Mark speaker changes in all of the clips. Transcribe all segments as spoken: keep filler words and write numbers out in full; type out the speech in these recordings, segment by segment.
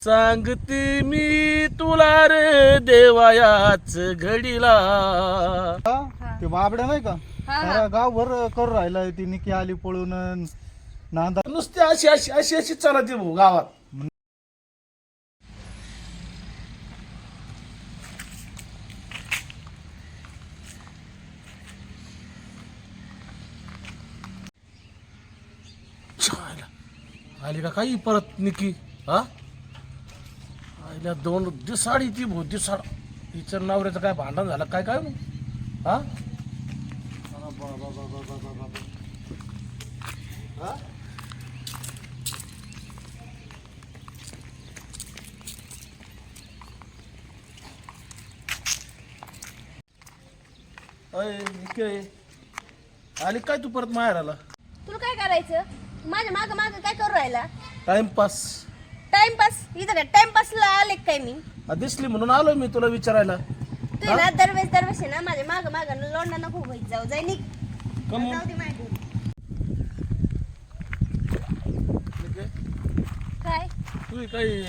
Speaker 1: सांगते मी तुला रे देवायाच घडीला.
Speaker 2: हा, ते बाबड्या नाही का
Speaker 3: हा.
Speaker 2: सारा गावभर करू राहिला ती निकी आली पळून अन नांदा
Speaker 1: नुसती अशी अशी अशी अशी चालते भाऊ गावात. छायला. आली का काही परत निकी हा आईला दोन दिसाडी ती भाऊ दिसाड हिचं नवऱ्याचं काय भांडण झालं काय काय मग हा हा? अय निकी आली काय तू परत माहेर आला
Speaker 3: तुला काय करायचं? माझ्या माग माग काय करू राहिला?
Speaker 1: टाइमपास
Speaker 3: टाइमपास इथं काय टाइमपासला आले काय मी?
Speaker 1: दिसली म्हणून आलो मी तुला विचारायला.
Speaker 3: तू ना दरवेळेस दरवेळेस ना माझ्या माग माग लोंडा नको होईत जाऊ जाय निघ.
Speaker 1: कम
Speaker 3: जाऊ दे माझ्या घरी. काय
Speaker 1: तू काही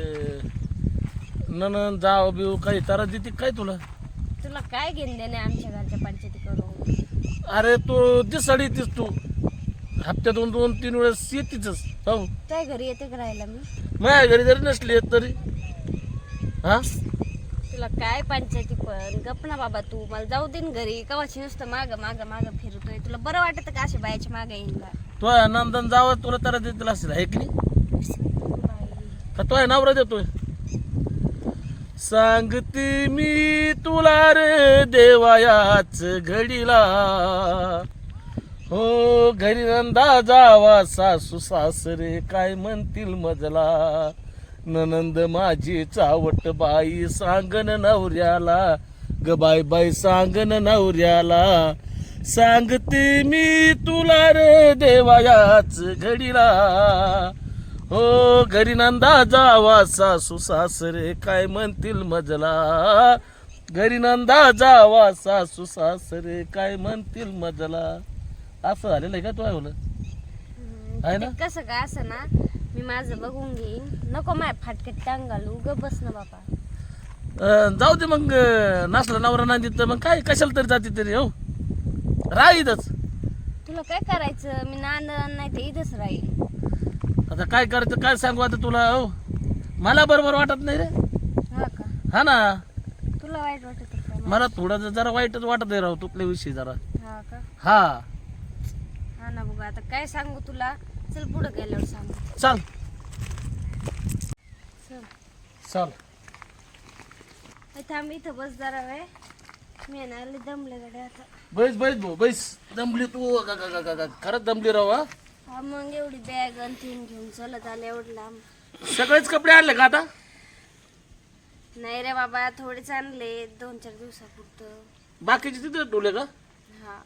Speaker 1: ननन जाव बिव काही तारा देते काय तुला.
Speaker 3: तुला काय घेऊन देणे आमच्या घरच्या पंचायती करून?
Speaker 1: अरे तू दिसाडी येतेस तू हप्त्यातून दोन तीन वेळेस येतीच हो.
Speaker 3: काय घरी येते का राहायला मी?
Speaker 1: माझ्या घरी जरी नसली येत तरी हा
Speaker 3: तुला काय पंचायती पण गप ना बाबा. तू मला जाऊ दे ना घरी. कवाची नुसतं माग माग माग फिरतोय. तुला बरं वाटत का अशा बायाच्या माग येईल का?
Speaker 1: तो नंदन जावं तुला तारा देतील असेल आहे की नाही का तो नवरा देतोय. सांगते मी तुला रे देवायाच घडीला हो घरी नंदा जावा सासू सासरे काय म्हणतील मजला ननंद माझी चावट बाई सांगन नवऱ्याला ग बाय बाई सांगन नवऱ्याला. सांगते मी तुला रे देवायाच घडीला हो घरी नंदा जावा सासू सासरे काय म्हणतील मजला घरी नंदा जावा सासू सासरे काय म्हणतील मजला. असं झालेलं आहे का तू ऐकलं आहे ना?
Speaker 3: ते कसं का असं ना मी माझं बघून घेईन. नको माय फाटक्यात टांग घालू. ग बस ना बाबा.
Speaker 1: अं, जाऊ दे मग नसला नवरा नाही तर मग काय कशाला तरी जाते तरी हो राहीतच.
Speaker 3: तुला काय करायचं? मी नांदण नाही ते इथंच राहील.
Speaker 1: आता काय करायचं काय सांगू आता तुला हो मला बरोबर वाटत नाही रे.
Speaker 3: हा का?
Speaker 1: हा ना
Speaker 3: तुला वाईट वाटत का मग?
Speaker 1: मला थोडं जरा वाईटच वाटत आहे राव तुपल्या विषयी जरा.
Speaker 3: हा का?
Speaker 1: हा
Speaker 3: हा ना बघा आता काय सांगू तुला. चल पुढे गेल्यावर सांगू.
Speaker 1: चाल
Speaker 3: चल
Speaker 1: चाल
Speaker 3: ए, थांब इथं बस जरा वेळ. मी आहे ना लई दमले गड्या आता.
Speaker 1: बैस बैस भाऊ बैस दमली तू गा- गा- गा- गा- गा. खरंच दमली राव हा.
Speaker 3: हा मग एवढी बॅग आणि तीन घेऊन चलत आले एवढं लांब.
Speaker 1: सगळेच कपडे आणले का आता.
Speaker 3: नाही रे बाबा थोडेच आणले दोन चार दिवसापुरतं.
Speaker 1: बाकीचे तिथे ठेवले का.
Speaker 3: हा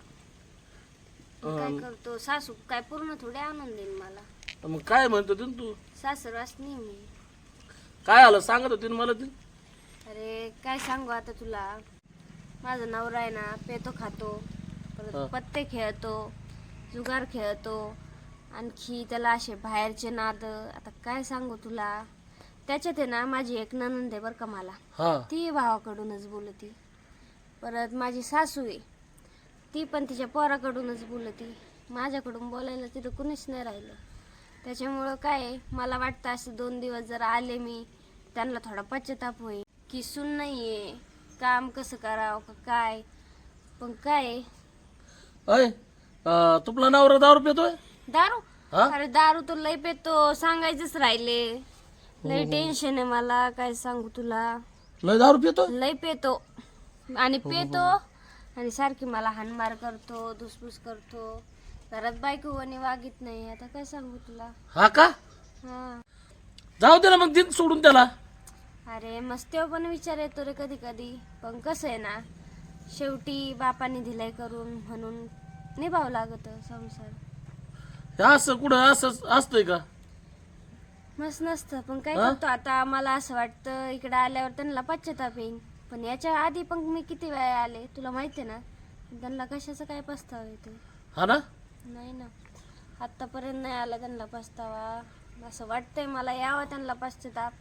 Speaker 3: मग काय करतो सासू काय पूर्ण थोडे आणून देईन मला.
Speaker 1: मग काय म्हणतो तू तू
Speaker 3: सासरवास नाही मी.
Speaker 1: काय आलं सांगत होती ना मला ती.
Speaker 3: अरे काय सांगू आता तुला. माझा नवरा आहे ना पेतो खातो
Speaker 1: हा.
Speaker 3: परत पत्ते खेळतो जुगार खेळतो आणखी त्याला असे बाहेरचे नाद. आता काय सांगू तुला. त्याच्यात आहे ना माझी एक नणंद आहे बरं का मला.
Speaker 1: हा
Speaker 3: ती भावाकडूनच बोलती. परत माझी सासू आहे ती पण तिच्या पोराकडूनच बोलती. माझ्याकडून बोलायला तिथं कुणीच नाही राहिलं. त्याच्यामुळं काय आहे, मला वाटतं असं दोन दिवस जर आले मी त्यांना थोडा पश्चाताप होईल की सून नाही आहे काम कसं करावं का काय. पण काय आहे,
Speaker 1: अय अं, तुपला नवरा दारू पितोय.
Speaker 3: दारू
Speaker 1: हा?
Speaker 3: अरे दारू तर लय पेतो सांगायचंच राहिले. लय टेन्शन आहे मला काय सांगू तुला.
Speaker 1: लय दारू पितोय.
Speaker 3: लय पेतो आणि पेतो आणि सारखी मला हाणमार करतो धुसफूस करतो. घरात बायको कोणी वागित नाही. आता काय सांगू तुला.
Speaker 1: हा का
Speaker 3: हा
Speaker 1: जाऊ दे ना मग दिन सोडून त्याला.
Speaker 3: अरे मस्त्यावर पण विचार येतो रे कधी कधी. पण कसं आहे ना शेवटी बापाने दिलाय करून म्हणून निभावं लागत संसार.
Speaker 1: हे असं कुठं असं असतंय का.
Speaker 3: मस्त नसतं पण काय
Speaker 1: हा?
Speaker 3: करतो आता. मला असं वाटतं इकडे आल्यावर त्यांना पश्चाताप येईल. पण याच्या आधी पण मी किती वेळा आले तुला माहिती आहे ना. त्यांना कशाचा काय पस्तावा येतो.
Speaker 1: हा ना
Speaker 3: नाही ना आतापर्यंत नाही आला त्यांना पस्तावा. असं वाटतंय मला यावं त्यांना पश्चाताप.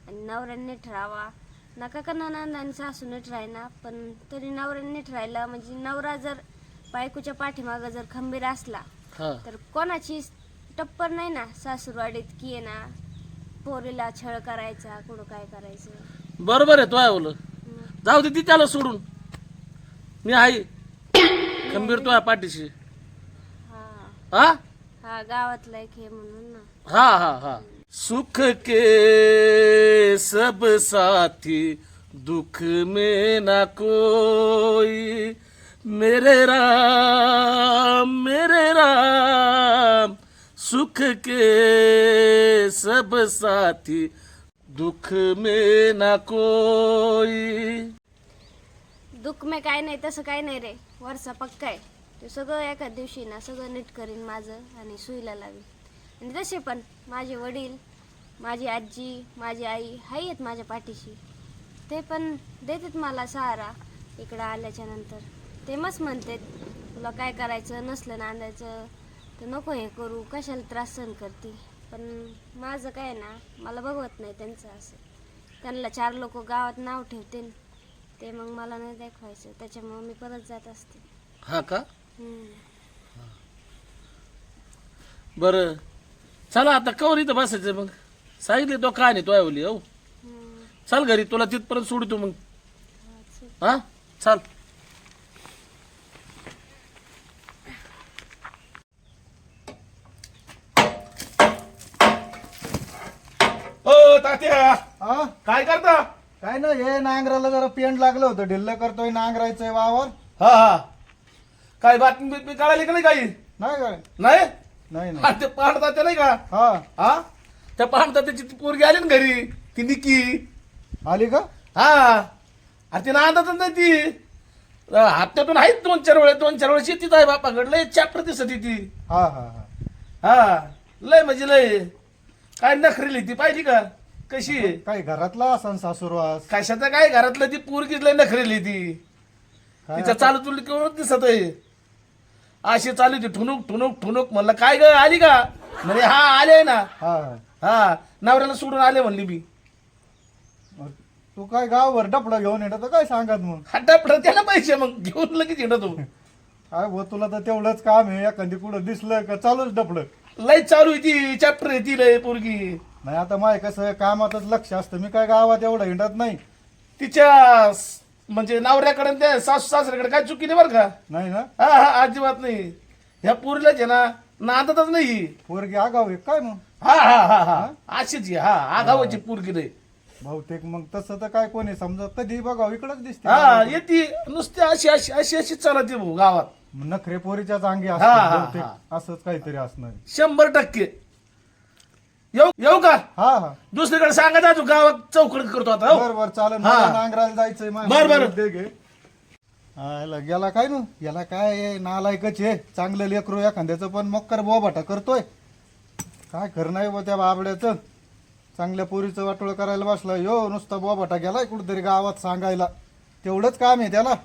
Speaker 3: आणि नवऱ्याने नीट राहावा. नका का ननंद आणि सासू नीट राहिना, पण तरी नवऱ्याने नीट राहिला म्हणजे नवरा जर बायकोच्या पाठीमागं जर खंबीर असला
Speaker 1: हा
Speaker 3: तर कोणाची टप्पर नाही ना सासूरवाडीत की आहे ना पोरीला छळ करायचा कुठं काय करायचं.
Speaker 1: बरोबर आहे तो आहे बोल.
Speaker 3: हम्म.
Speaker 1: जाऊ दे ती त्याला सोडून, मी आहे खंबीर तो आहे पाठीशी.
Speaker 3: हा
Speaker 1: हा
Speaker 3: हा गावातला एक हे म्हणून ना.
Speaker 1: हा हा हा सुख के सब साथी दुख में ना कोई, मेरे राम मेरे राम सुख के सब साथी दुख में ना कोई.
Speaker 3: दुःख में काय नाही तसं काय नाही रे, वरचा पक्का आहे. ते सगळं एका दिवशी ना सगळं नीट करीन माझं आणि सुईला लावीन. आणि तसे पण माझे वडील, माझी आजी, माझी आई आहेत माझ्या पाठीशी. ते पण देतात मला सहारा इकडं आल्याच्या नंतर. ते मस्त म्हणतात तुला काय करायचं नसलं नांदायचं तर नको हे करू, कशाला त्रास सहन करते. पण माझं काय ना मला बघवत नाही त्यांचं असं. त्यांना चार लोक गावात नाव ठेवतील ते मग मला नाही दाखवायचं, त्याच्यामुळे मी परत जात असते.
Speaker 1: हा का
Speaker 3: हम्म.
Speaker 1: बरं चला आता कवर इथं बसायचं मग. सांगितले तो काय नाही तो आवली हो.
Speaker 3: हम्म.
Speaker 1: चाल घरी, तुला तिथपर्यंत सोडतो मग.
Speaker 3: हा, चल.
Speaker 1: हा चाल.
Speaker 4: ओ तात्या
Speaker 2: हा
Speaker 4: काय करता?
Speaker 2: काय ना हे नांगराला जरा पेंट लागलं होतं, ढिल्ल करतोय नांगरायचंय वावर.
Speaker 4: हा हा काय बातमी बितमी कळाली का नाही काही?
Speaker 2: नाही काय
Speaker 4: नाही
Speaker 2: नाही
Speaker 4: हा,
Speaker 2: नाही
Speaker 4: ते पाहण तात्या नाही का?
Speaker 2: हा
Speaker 4: हा त्या पाहण तात्याची ती पोरगी आली ना घरी, ती निकी.
Speaker 2: आली का?
Speaker 4: हा अरे ती नांदातच नाही ती. अं, हप्त्यातून आहेत दोन चार वेळेस दोन चार वेळेस येतीच आहे बापाकडे. लय चॅप्टर दिसत ती.
Speaker 2: हा हा हा
Speaker 4: हा लय म्हणजे लय काय नखरेली ती पाहिली का कशी आहे?
Speaker 2: काय घरातला असन सासूरवास?
Speaker 4: कशाचं काय घरातलं ती पोरगीच लय नखरेली ती.
Speaker 2: काय
Speaker 4: तिचा
Speaker 2: आता?
Speaker 4: चालू तुला केवढं दिसत आहे. अशी चालू ती ठुणूक ठुणूक ठुणूक. म्हणलं काय ग आली का? म्हणजे हा आले ना.
Speaker 2: हा
Speaker 4: हा नवऱ्याला सोडून आले म्हणली मी.
Speaker 2: मग तू काय गावभर डपडा घेऊन येत काय सांगत मग?
Speaker 4: हट्टा त्याला पैसे मग घेऊन लगेच येणं तू.
Speaker 2: काय भाऊ तुला तर तेवढंच काम आहे, एखादी कुठं दिसलं का चालूच डपड.
Speaker 4: लय चालू आहे ती चॅप्टर आहे ती लय पोरगी.
Speaker 2: नाही आता माय कसं कामातच लक्ष असतं, मी काय गावात एवढं हिंडत नाही.
Speaker 4: तिच्या स- म्हणजे नवऱ्याकडे आणि त्या सासू सासऱ्याकडे काय चुकी नाही बरं का?
Speaker 2: नाही ना?
Speaker 4: हा हा अजिबात नाही. ह्या पोरीलाच आहे ना नांदतच नाही.
Speaker 2: पोरगी आगाव आहे काय मग?
Speaker 4: हा हा हा हा अशीच आहे. हा आगावाची पोरगी नाही.
Speaker 2: बहुतेक मग तसं तर काय कोणी समजा कधी बघाव इकडच दिसते.
Speaker 4: हा येते नुसती अशी अशी अशी अशी चालते भाऊ गावात.
Speaker 2: नखरे पोरीच्या चांगी
Speaker 4: हा, हा,
Speaker 2: असतात बहुतेक,
Speaker 4: हा.
Speaker 2: असंच काहीतरी असणार.
Speaker 4: शंभर टक्के. येऊ येऊ का?
Speaker 2: हा हा
Speaker 4: दुसरीकडे सांगायचं अजून गावात चौकड करतो आता हो.
Speaker 2: बर बर चालेल,
Speaker 4: हा.
Speaker 2: मला नांगराला जायचंय. माझ्या
Speaker 4: बर, बर.
Speaker 2: दे घे. हा, याला गेला काय ना, याला काय आहे, नालायकच आहे. चांगलं लेकरू एखाद्याचं पण मक्कर बोबाटा करतोय. काय खरं नाही बा त्या बाबड्याचं. चांगल्या पोरीचं वाटोळ करायला बसला यो, नुसता बोबाटा गेलाय कुठेतरी गावात सांगायला. तेवढंच काम आहे त्याला.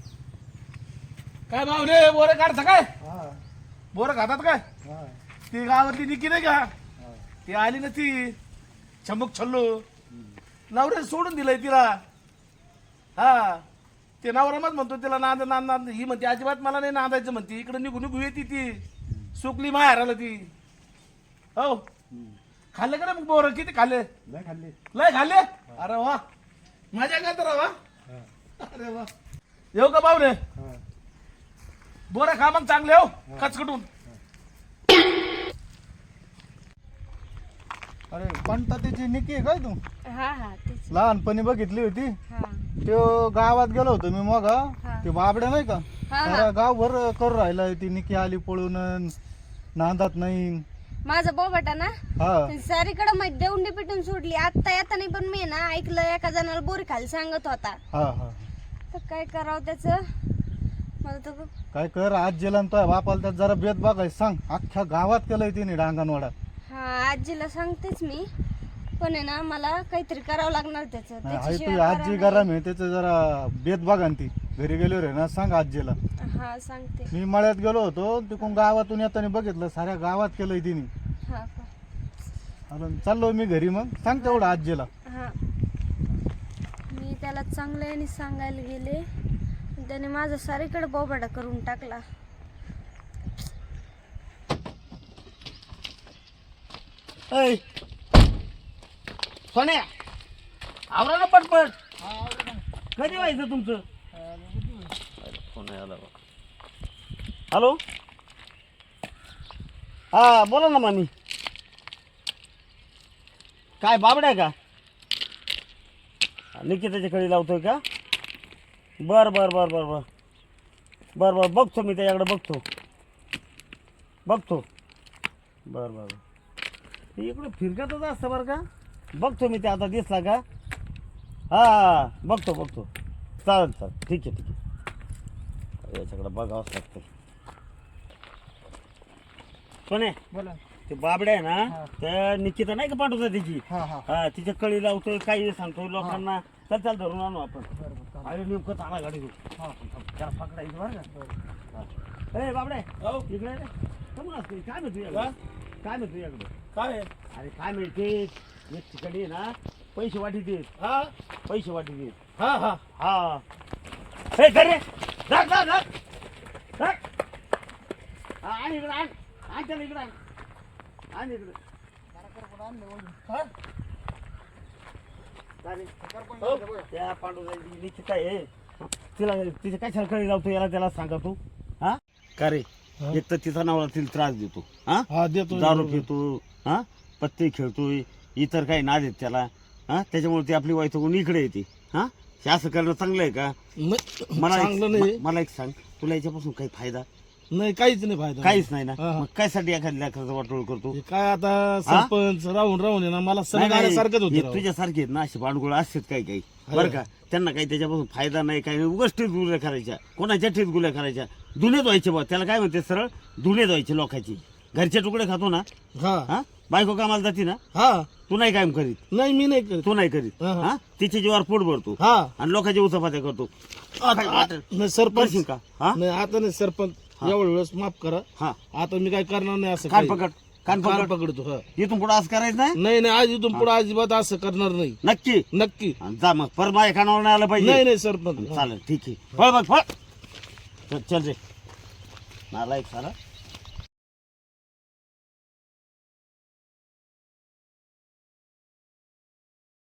Speaker 4: काय भावले बोरे काढता काय?
Speaker 2: हा,
Speaker 4: बोरं खातात काय?
Speaker 2: हा,
Speaker 4: ती गावातली निकी नाही का?
Speaker 2: हा.
Speaker 4: ती आली ना ती छमक छल्लो. नवऱ्या सोडून दिलंय तिला. हा ते नवरा मत म्हणतो तिला नांद नांद नांद. ही म्हणते अजिबात मला नाही नांदायचं म्हणते. इकडे निघू निघू येते ती. सुकली माहेराला ती. हो खाल्ले का ना मग बोरं? किती खाल्ले?
Speaker 2: लय खाल्ली.
Speaker 4: लय खाल्ले? अरे वा मजा करत राहा. अरे वा येऊ का पाहुणे?
Speaker 2: हा.
Speaker 4: बोरं खा मग चांगले हो कचकटून.
Speaker 2: अरे पंता त्याची निकी आहे काय तू?
Speaker 3: हा हा तेच.
Speaker 2: लहानपणी बघितली होती.
Speaker 3: हा
Speaker 2: तो गावात गेलो होतो मी मग.
Speaker 3: हा.
Speaker 2: ते बाबड्या नाही का,
Speaker 3: हा, हा.
Speaker 2: सारा गावभर करू राहिला. ती निकी आली पळून, नांदात नाही.
Speaker 3: माझा बोबाटा ना
Speaker 2: हा
Speaker 3: सारीकडे माहिती देऊन पिटून सोडली. आता येताना पण मी ना ऐकलं एका जणाला बोरी खाली सांगत होता.
Speaker 2: हा हा
Speaker 3: तर काय करावं त्याच मला तर
Speaker 2: काय कर, आज जेला तो बापाला त्यात जरा बेत बघाय सांग. अख्ख्या गावात केलंय तिने डांगणवाडा.
Speaker 3: हा आजीला सांगतेच मी, पण आहे ना मला काहीतरी करावं लागणार त्याचं.
Speaker 2: नाही, आहे
Speaker 3: त्याच्याशिवाय
Speaker 2: तू आजी
Speaker 3: पर्याय
Speaker 2: गरम आहे त्याचं, जरा बेत बघा ना ती. घरी गेलो रे ना सांग आजीला.
Speaker 3: नाही. हा सांगते.
Speaker 2: मी मळ्यात गेलो होतो, तिकडून गावातून येताना बघितलं साऱ्या गावात केलंय तिने.
Speaker 3: हा का?
Speaker 2: अजून चाललो मी घरी, मग सांग तेवढं आजीला.
Speaker 3: हा त्याला चांगल्याने सांगायला गेले, त्याने माझा सारीकडे बोबाडा करून टाकला.
Speaker 1: ऐ सोन्या, आवरा ना पटपट. कधी व्हायचं तुमचं? फोन आला बा. हॅलो, हा बोला ना मामी. काय बाबड्या का? निकिताच्या कडी लावतोय का? बर बर बर बर बर बर बर बघतो मी त्याच्याकडे, बघतो बघतो बर बर बर. इकडं फिरकतच असतं बरं का. बघतो मी ते आता दिसला का. हा बघतो बघतो. चालेल चालेल, ठीक आहे ठीक आहे. याच्याकडे बघावंच लागतं. कोणे
Speaker 2: बोला.
Speaker 1: ते बाबड्या आहे ना, त्या निकिता नाही का पाठवता त्याची,
Speaker 2: हा हा
Speaker 1: हा तिच्या कळी लावतोय, काही सांगतोय लोकांना. चल चल धरून आणू आपण. अरे नेमकं चांगला गाडी घेऊ. त्याला पकडायचं बरं का. ए बाबड्या इकडे रे. कमून असते काय मिळतो तुझ्याकडे? काय मिळतो तुझ्याकडे?
Speaker 4: काय
Speaker 1: अरे काय मिळते एक ठिकाणी आहे ना, पैसे वाटी देत.
Speaker 4: हा
Speaker 1: पैसे वाटी देत.
Speaker 4: हा हा
Speaker 1: हा हे धर रे. धर धर धर धर. हा, आण इकडे आण. आण त्याला इकडे आण. आण इकडे.
Speaker 4: हा?
Speaker 1: काय रे? हो, त्या पांडुराची निश्चित आहे. तिला तिच्या काय सरकारी लावतो याला, त्याला सांगा तू. हा का रे? एक तर तिचा नवरा तिला त्रास देतो. हा
Speaker 4: हा देतो.
Speaker 1: दारू पितो. हा पत्ते खेळतोय, इतर काही ना देत त्याला. हा त्याच्यामुळे ती आपली वैतगून इकडे येते. हा हे असं करणं चांगलं आहे का?
Speaker 4: नाही,
Speaker 1: मला
Speaker 4: चांगलं
Speaker 1: एक-
Speaker 4: नाही.
Speaker 1: म- मला एक सांग, तुला याच्यापासून काही फायदा?
Speaker 4: नाही काहीच नाही फायदा.
Speaker 1: काहीच नाही ना.
Speaker 4: हा, हा.
Speaker 1: मग काय साठी एखाद्या लेकराचा वाटोळ करतो?
Speaker 4: हे काय आता सरपंच राहून राहून आहे ना, मला सण
Speaker 1: नाही, नाही,
Speaker 4: आल्यासारखंच
Speaker 1: हे
Speaker 4: होतं राव.
Speaker 1: तुझ्यासारखे आहेत ना, असे भांडगोळ असतात काही काही
Speaker 4: आहे.
Speaker 1: बरं का. त्यांना काही त्याच्यापासून फायदा नाही, काही नाही. उगाच टीत गुल्या करायच्या, कोणाच्या टीत गुल्या करायच्या. धुणे धुवायचे बा, त्याला काय म्हणते सरळ धुणे धुवायचे लोकांची. घरचे तुकडे खातो ना.
Speaker 4: हा
Speaker 1: हा बायको कामाला जाते ना,
Speaker 4: हा
Speaker 1: तू नाही कायम करीत.
Speaker 4: नाही मी नाही करत.
Speaker 1: तू नाही करीत.
Speaker 4: हा, हा.
Speaker 1: हा तिच्या जीवावर पोट भरतो
Speaker 4: हा
Speaker 1: आणि लोकांच्या उचापात्या करतो.
Speaker 4: आता- आता- नाही सरपंच
Speaker 1: करशील का? हा
Speaker 4: नाही आता नाही सरपंच, एवढ्या वेळेस माफ करा.
Speaker 1: हा
Speaker 4: आता मी काय करणार नाही असं
Speaker 1: कान
Speaker 4: काही.
Speaker 1: पकड, कान
Speaker 4: कान
Speaker 1: पकड.
Speaker 4: पकडतो. हा
Speaker 1: इथून पुढे असं करायचं नाही.
Speaker 4: नाही नाही आज इथून पुढे अजिबात असं करणार नाही.
Speaker 1: नक्की.
Speaker 4: नक्की
Speaker 1: आणि जा मग पर माझ्या कानावर नाही आलं पाहिजे.
Speaker 4: नाही नाही सरपंच.
Speaker 1: चालेल ठीक आहे. फळ बघ फळ. चल चल रे नालायक साला.